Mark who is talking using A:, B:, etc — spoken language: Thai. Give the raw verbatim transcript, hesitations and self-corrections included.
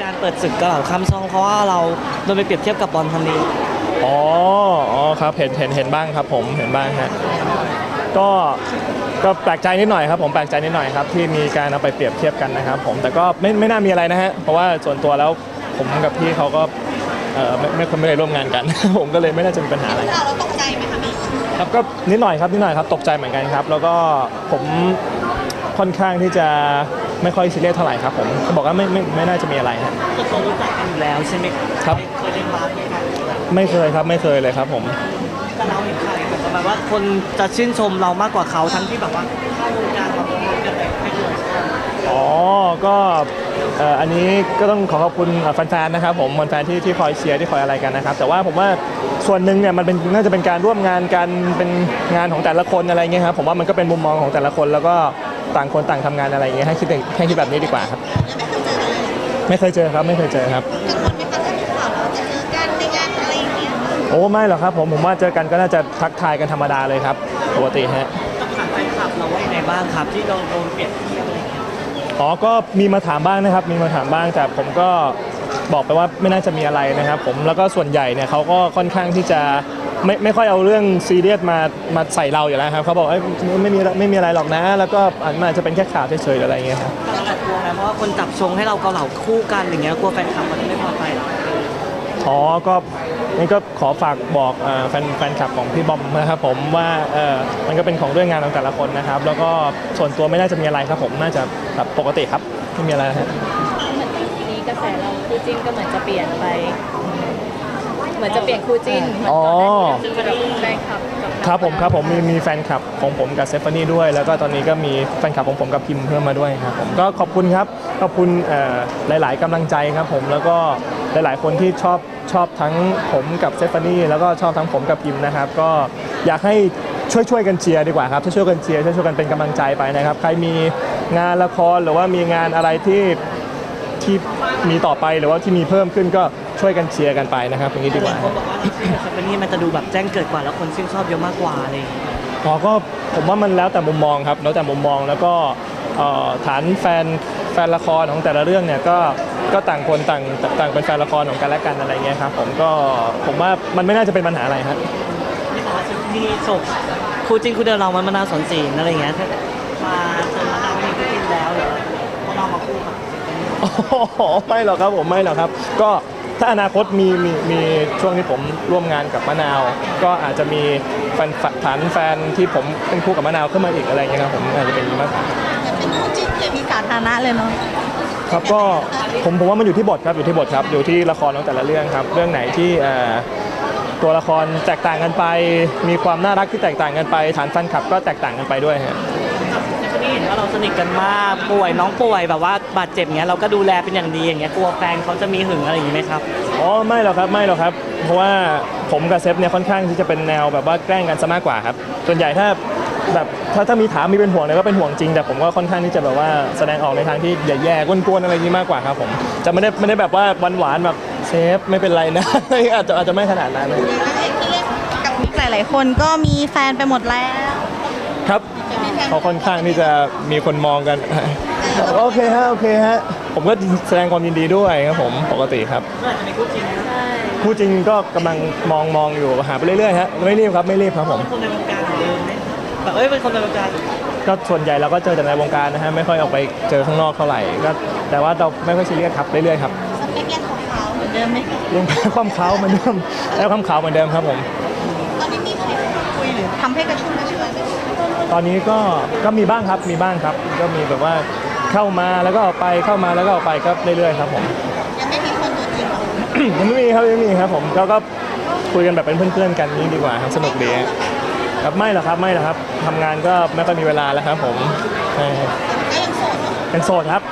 A: การเปิดศึกกระเหล่าคำซองเพราะว่าเราโดนไปเปรียบเทียบกับบอลทันดี
B: อ๋ออ๋อครับเห็นเห็นเห็นบ้างครับผมเห็นบ้างฮะก็ก็แปลกใจนิดหน่อยครับผมแปลกใจนิดหน่อยครับที่มีการเอาไปเปรียบเทียบกันนะครับผมแต่ก็ไม่ไม่น่ามีอะไรนะฮะเพราะว่าส่วนตัวแล้วผมกับพี่เขาก็เออไม่ไม่ไม่ได้ร่วมงานกัน ผมก็เลยไม่น่าจะมีปัญหาอะไร
C: เราเราตกใจไหมคะพี่
B: ครับก็นิดหน่อยครับนิดหน่อยครับตกใจเหมือนกันครับแล้วก็ผมค่อนข้างที่จะไม่ค่อยซีเรียสเท่าไหร่ครับผมเขาบอกว่าไม่ไม่ไม่น่าจะมีอะไรฮะ
A: ก็เขารู้จักกันอยู่แล้วใช่ไหม
B: ครับ
A: เคยเล่นบาสไหมครับ
B: ไม่เคยครับไม่เคยเลยครับผม
A: แต่เราเห็นใครแบบประมาณว่าคนจะชื่นชมเรามากกว่าเขาทั้งที่แบบว่าเข้าวงการมาพร้อมกันแต่ไม่เคย
B: อ๋อก็อันนี้ก็ต้องขอขอบคุณแฟนๆนะครับผมแฟนๆที่ที่คอยเชียร์ที่คอยอะไรกันนะครับแต่ว่าผมว่าส่วนหนึ่งเนี่ยมันเป็นน่าจะเป็นการร่วมงานกันเป็นงานของแต่ละคนอะไรเงี้ยครับผมว่ามันก็เป็นมุมมองของแต่ละคนแล้วก็ต่างคนต่างทำงานอะไรเงี้ยให้คิดให้คิดแบบนี้ดีกว่าครับไม่เคยเจอครับไม่เคยเจอครับ
C: กังวลไหมคะถ้ามีข่าวเราจะเจอกันในงานอะไรอย่างเงี้ย
B: โอ้ไม่หรอกครับผมผมว่าเจอกันก็น่าจะทักทายกันธรรมดาเลยครับปกติฮะ
A: ต้องถามแฟนคลับเราว่ายังไงบ้างครับที่เราโดนเปรียบเทียบอะไรเงี้ย
B: อ๋อก็มีมาถามบ้างนะครับมีมาถามบ้างแต่ผมก็บอกไปว่าไม่น่าจะมีอะไรนะครับผมแล้วก็ส่วนใหญ่เนี่ยเขาก็ค่อนข้างที่จะไม่ไม่ค่อยเอาเรื่องซีเรียสมามาใส่เราอยู่แล้วครับเขาบอกเอ้ยไม่มีไม่มีอะไรหรอกนะแล้วก็มันอาจจะเป็นแค่ข่าวเฉยๆอะไรเงี้ยครับ
A: เรากลัวนะเพราะว่าคนจับชงให้เราเกาเหลาคู่กันอย่างเงี้ยกลัวแฟนคลับมันไม่พอใจหรอ
B: อ๋อก็นี่ก็ขอฝากบอกแฟนแฟนคลับของพี่บอมนะครับผมว่าเออมันก็เป็นของเรื่องงานของแต่ละคนนะครับแล้วก็ส่วนตัวไม่น่าจะมีอะไรครับผมน่าจะแบบปกติครับไม่มีอะไรครับ
D: เหมือนทีนี้กระแสเราคู่จิ้นก็เหมือนจะเปลี่ยนไปเหมือนจะเปลี่ยนคู่จิ้น
B: อ๋อ
D: แฟนคลับ
B: ครับผมครับผมมีมีแฟนคลับของผมกับเซฟานี่ด้วยแล้วก็ตอนนี้ก็มีแฟนคลับของผมกับพิมพ์เพิ่มมาด้วยครับผมก็ขอบคุณครับขอบคุณหลายๆกำลังใจครับผมแล้วก็หลายๆคนที่ชอบชอบทั้งผมกับเซฟานี่แล้วก็ชอบทั้งผมกับพิมพ์นะครับก็อยากให้ช่วยช่วยกันเชียร์ดีกว่าครับช่วยช่วยกันเชียร์ช่วยช่วยกันเป็นกำลังใจไปนะครับใครมีงานละครหรือว่ามีงานอะไรที่ที่มีต่อไปหรือว่าที่มีเพิ่มขึ้นก็ช่วยกันเชียร์กันไปนะครับอย่างนี้ดีกว่า
A: คนบอกว่าเซฟานี่มันจะดูแบบแจ้งเกิดกว่าแล้วคนชื่นชอบเยอะมากกว่าอะไรอย่างเงี้ย
B: อ๋อก็ผมว่ามันแล้วแต่มุมมองครับแล้วแต่มุมมองแล้วก็ฐานแฟนแฟนละครของแต่ละเรื่องเนี่ยก็ก็ต่างคนต่างต่างเป็นแฟนละครของกันและกันอะไรเงี้ยครับผมก็ผมว่ามันไม่น่าจะเป็นปัญหาอะไรครับ
A: นี่บอกว่าที่โศกคู่จริงคู่เดิมเรามันมะนาวสอนศีลอะไรเงี้ยมาจนมะนาวไม่มีคู่จริงแล้วเหรอมะนาวมาคู่กับ
B: อ๋อไม่หรอกครับผมไม่หรอกครับก็ถ้าอนาคตมีมีมีช่วงที่ผมร่วมงานกับมะนาวก็อาจจะมีแฟนฐานแฟนที่ผมเป็นคู่กับมะนาวขึ้นมาอีกอะไรเงี้ยครับผมอาจจะเป็นมาก
C: แต่เป็นคู่จิ้นเคมีสาธารณะเลยเนาะ
B: ครับก็ผมผมว่ามันอยู่ที่บทครับอยู่ที่บทครับอยู่ที่ละครของแต่ละเรื่องครับเรื่องไหนที่ตัวละครแตกต่างกันไปมีความน่ารักที่แตกต่างกันไปฐานแฟนคลับก็แตกต่างกันไปด้วยฮะ
A: นี่เห็นว่าเราสนิทกันมากป่วยน้องป่วยแบบว่าบาดเจ็บเงี้ยเราก็ดูแลเป็นอย่างดีอย่างเงี้ยกลัวแฟนเขาจะมีหึงอะไรอย่างงี้ไหมครับ
B: อ๋อไม่หรอกครับไม่หรอกครับเพราะว่าผมกับเซฟเนี่ยค่อนข้างที่จะเป็นแนวแบบว่าแกล้งกันซะมากกว่าครับส่วนใหญ่ถ้าแบบถ้าถ้ามีถามมีเป็นห่วงเนี่ยก็เป็นห่วงจริงแต่ผมก็ค่อนข้างที่จะแบบว่าแสดงออกในทางที่แย่ๆกวนๆอะไรนี้มากกว่าครับผมจะไม่ได้ไม่ได้แบบว่าหวานๆแบบเซฟไม่เป็นไรนะอาจจะอาจจะไม่ขนาดนั้น
C: ที่เล่นกับมิกหลายๆคนก็มีแฟนไปหมดแล้ว
B: ครับเขาค่อนข้างที่จะมีคนมองกันโอเคฮะโอเคฮะผมก็แสดงความยินดีด้วยครับผมปกติครับ
A: เมื่อไหร่จะมีคู่จริง
B: คู่จริงก็กำลังมองมองอยู่หาไปเรื่อยๆฮะไม่รีบครับไม่รีบครับผม
A: คนในวงการเหมือนเดิมไหมแบบเอ้ยเป็นคนในวงการ
B: ก็ส่วนใหญ่เราก็เจอแต่ในวงการนะฮะไม่ค่อยออกไปเจอข้างนอกเท่าไหร่ก็แต่ว่าเราไม่ค่อยซีเรียสครับเรื่อยๆครับ
C: สเปคยังของเขาเหมือนเดิมไหม
B: ยังความเขาเหมือนเดิมแล้วความเขาเหมือนเดิมครับผม
C: ตอนนี้มีใครคุยหรือทำให้กระชุ่มกระชวยไหม
B: ตอนนี้ก็ก็มีบ้างครับมีบ้างครับก็มีแบบว่าเข้ามาแล้วก็ออกไปเข้ามาแล้วก็ออกไปก็เรื่อยๆครับผม
C: ยังไม่มีคนตัวจริงหรอ
B: ยังไม่มีครับยังไม่มีครับผมก็ก็คุยกันแบบเป็นเพื่อนๆกันนี่ดีกว่าครับสนุกดีครับไม่หรอกครับไม่หรอกครับทำงานก็ไม่ค่อยมีเวลาแล้วครับผม
C: ก็ยังโสดเนาะ
B: เป็นโสดครับ